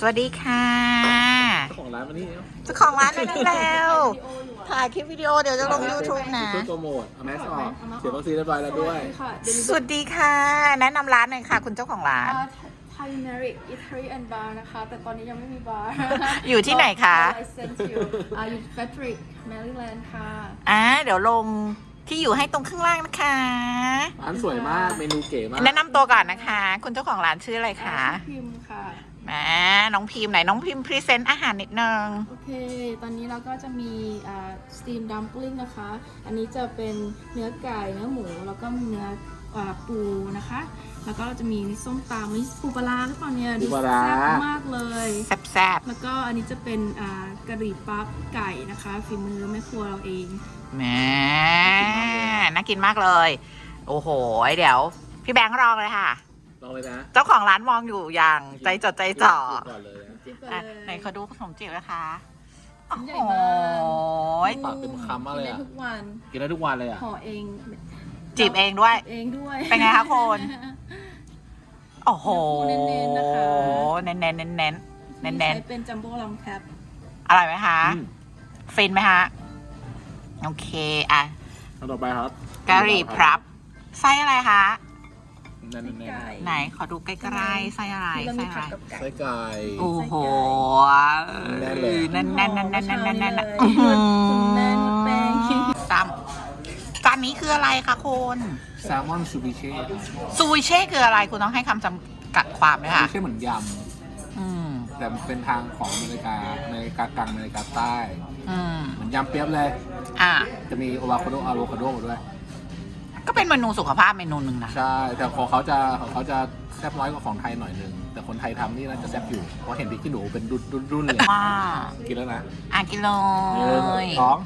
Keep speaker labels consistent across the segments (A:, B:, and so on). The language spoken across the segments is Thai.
A: วัสดีค่ะ
B: เจ้าของร้านวันนี้
A: เจ้าของร้านมาได้แล้วถ่ายคลิปวิดีโอเดี๋ยวจะลง YouTube นะ
B: ช่วยโปรโมทเอาแมสออกเสียวัคซีนเรียบร้อยแล้วด้วย
A: สวัสดีค่ะ แนะนำร้านหน่อยค่ะ คุณเจ้าของร้าน
C: ไทยเมริกอิตาลีแอนด์บาร์นะคะแต่ตอนนี้ยังไม่มีบาร์
A: อยู่ที่ไหนคะ
C: อยู่เฟดริกแมริแลนด์ค่ะ
A: เดี๋ยวลงที่อยู่ให้ตรงข้างล่างนะคะ
B: ร้านสวยมากเมนูเก๋มาก
A: แนะนำตัวก่อนนะคะ คุณเจ้าของร้านชื่ออะไรคะ
C: พิมพ์ค่ะ
A: แหมน้องพิมพ์ไหนน้องพิมพ์พรีเซนต์อาหารนิดนึง
C: โอเคตอนนี้เราก็จะมีสตีมดัมปลิ้งนะคะ อันนี้จะเป็นเนื้อไก่เนื้อหมูแล้วก็เนื้อปูนะคะแล้วก็เราจะมีส้มตำนี่ปูปลาร้าหรือเปล่าเนี่ยดูแซ่บมากเลย
A: แซ่บ
C: แล้วก็อันนี้จะเป็นกะหรี่ปั๊บไก่นะคะฝีมือแม่ครัวเราเอง
A: ๆแหมน่ากินมากเลย โอ้โห เดี๋ยว พี่แบงค์ลองเลยค่ะ
B: ลองเลยนะ
A: เจ้าของร้านมองอยู่อย่างใจจดใจจ่อ
B: ก่อนเลยนะ
C: จิ๊บไป
A: อ่ะ
C: เลย
A: ไหนขอดูขนมจีบนะคะ
C: ชิ้นใหญ่
A: โอ้
C: มาก
A: โห
B: ปากเต็มคำมากเลย
C: กิน
B: อ่ะ
C: ได้ทุกวัน
B: กินได้ทุกวันเลยอ่ะ
C: ห่อเอง
A: จีบเองด้วย
C: เองด้วย
A: เป็นไงคะคุณ โอ้โห
C: เน้นๆนะคะ
A: เน้นๆเน้นๆเน้นๆเน้นๆเน้น
C: ใช้เป็นจัมโบ้ลองแคป
A: ๆอร่อยไหมคะ
B: อืม
A: ฟินไหมคะโอเคอ่ะ
B: อันต่อไปครับ
A: กะหรี่พรับไส้อะไรคะ
B: แน่น
C: ไก่
A: ไหนขอดูใกล้ๆไส้อะไร
C: ที่เรา
A: ไส้
C: มี
A: อะ
C: ผั
A: ไร
C: ดกับไก่
B: ไส้ไก่
A: โอ้โห
B: แน่นเลย
A: แน่นๆแน่นๆแน่นๆแน่นๆแน่นๆแน่น
C: เลยคุณแม่นวดแป้ง
A: ๆจำจานนี้คืออะไรคะคุณ
B: แซลมอนซูบิเช่
A: ซูชิเช่คืออะไรคุณต้องให้คำจำกัดความไหม
B: ซู
A: คะ
B: บิเช่เหมือนย
A: อืม
B: ำแต่เป็นทางของอเมริกากลางอเมริกาใต้
A: อืม
B: เหมือนยำเปี๊ยบเลย
A: อ่ะ
B: จะมีอะโวคาโดมาด้วย
A: ก็เป็นเมนูสุขภาพเมนูหนึ่งนะ
B: ใช่ แต่ของเขาจะแซ่บน้อยกว่าของไทยหน่อยนึง แต่คนไทยทำนี่น่าจะแซ่บอยู่ เพราะเห็นพริกขี้หนูเป็นรุ่นเลย
A: ว่า
B: กินแล้วนะ
A: กินเล
B: หนึ่ง
A: ย
B: สอง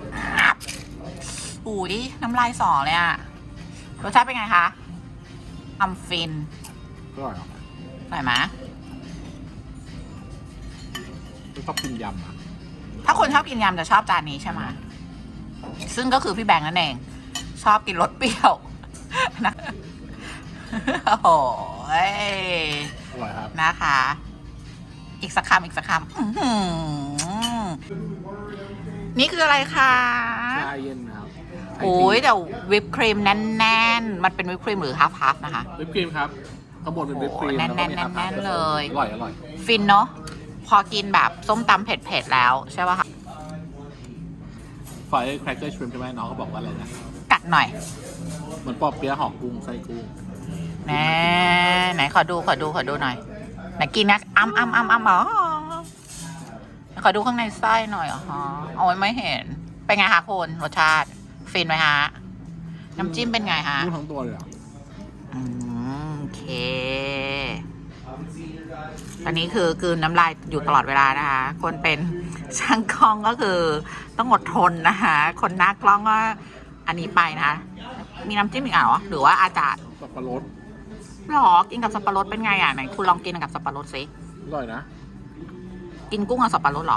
A: อุ้ยน้ำลายสอเลยอะรสชาติเป็นไงคะอัมฟิน
B: อร่อยเหรอ
A: อร่อยไหม
B: ชอบกินยำอ่ะ
A: ถ้าคนชอบกินยำจะชอบจานนี้ใช่ไหมซึ่งก็คือพี่แบงค์นั่นเอง ชอบกินรสเปรี้ยว นะโอ้โห
B: อร่อยครับ
A: นะคะ อีกสักคำอื้อหือนี่คืออะไรคะ
B: ชาเย็นนะครับ
A: โอ้ยแต่วิปครีมแน่นๆ มันเป็นวิปครีมหรือฮัฟนะคะ
B: วิปครีมครับข้างบนเป็นวิปครีม
A: โอ้โห
B: แล้วก็มี
A: แน่นๆเลย
B: อร่อย
A: ฟินเนาะพอกินแบบส้มตำเผ็ดๆแล้วใช่ป่ะคะ
B: ไฟแครกเกอร์ชริมใช่ไหมน้องเขาบอกว่าอะไรนะ
A: กัดหน่อย
B: เหมือนปอเปี๊ยะห่อกุ้งไส้กุ้ง
A: แน่ไหนขอดูหน่อยไหนกินนะอ๋อขอดูข้างในไส้หน่อยอ๋อเอาไว้ไม่เห็นเป็นไงคะคุณรสชาติฟินไหมฮะน้ำจิ้มเป็นไงฮะ
B: กุ้งทั้งตัวเลยเหรอ
A: โอเคอันนี้คือกลืนน้ำลายอยู่ตลอดเวลานะคะ คนเป็นช่างกล้องก็คือต้องอดทนนะคะ คนหน้ากล้องก็อันนี้ไปนะคะมีน้ำจิ้มอีกเหรอหรือว่าอาจารย์
B: สับปะรด
A: หรอกินกับสับปะรดเป็นไงอ่ะไหนคุณลองกินกับสับปะรดสิ
B: อร่อยนะ
A: กินกุ้งกับสับปะรดเหรอ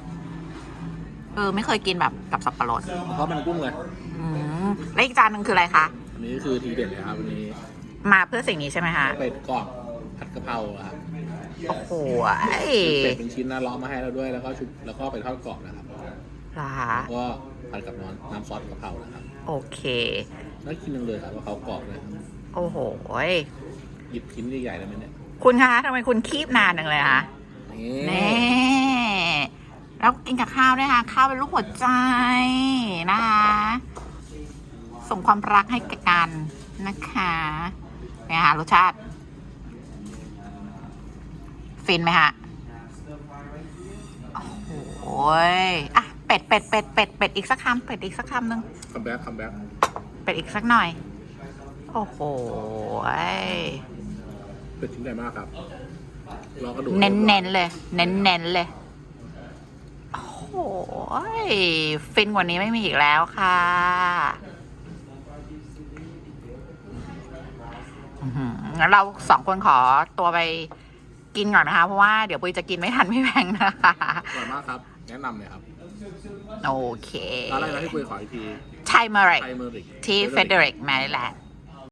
A: ไม่เคยกินแบบกับสับปะรด
B: เพราะเป็นกุ้งเลย
A: แล้วอีกจานหนึ่งคืออะไรคะ
B: อันนี้คือทีเด็ดเลยครับวันนี้
A: มาเพื่อสิ่งนี้ใช่ไหมคะ
B: เป็ดกรอบผัดกะเพราครับ
A: โอ้โห
B: เป็ดเป็นชิ้นนะล้อมมาให้เราด้วยแล้วก็ชุบแล้วก็ไปทอดกรอบนะครับ
A: เหรอคะ
B: แล้วก็ผัดกับน้ำซอสกะเพรานะครับ
A: โอเค
B: น่ากินจังเลยครับว่าเขากรอบเลยครับ
A: โอ้โห
B: หยิบชิ้นใหญ่ๆได้ไหมเนี่ย
A: คุณคะทำไมคุณคีบนานจังเลยคะ
B: นี่
A: นี่แล้วกินกับข้าวด้วยค่ะ ข้าวเป็นลูกหัวใจนะคะ ส่งความรักให้กันนะคะเนี่ยค่ะรสชาติ ฟินไหมฮะโอ้โหอ่ะเป็ดอีกสักคำเป็ดอีกสักคำหนึ่ง
B: คัมแบ็ก
A: เป็ดอีกสักหน่อย โอ้โห
B: เป็ดชิ้นใหญ่มากครับลองกระดูก
A: เน้นๆเลย เน้นๆเลย โอ้โหฟินกว่านี้ไม่มีอีกแล้วค่ะงั้นเราสองคนขอตัวไปกินก่อนนะคะ เพราะว่าเดี๋ยวปุ้ยจะกินไม่ทันพี่แบงค์นะคะ
B: อร่อยมากครับ แนะนำเลยครับ
A: โอเค
B: ร้านอะไรนะที่คุยขออีกที
A: ไทยเมอริก
B: ไทยเมอริก
A: ที่เฟเดริกแมริแลนด์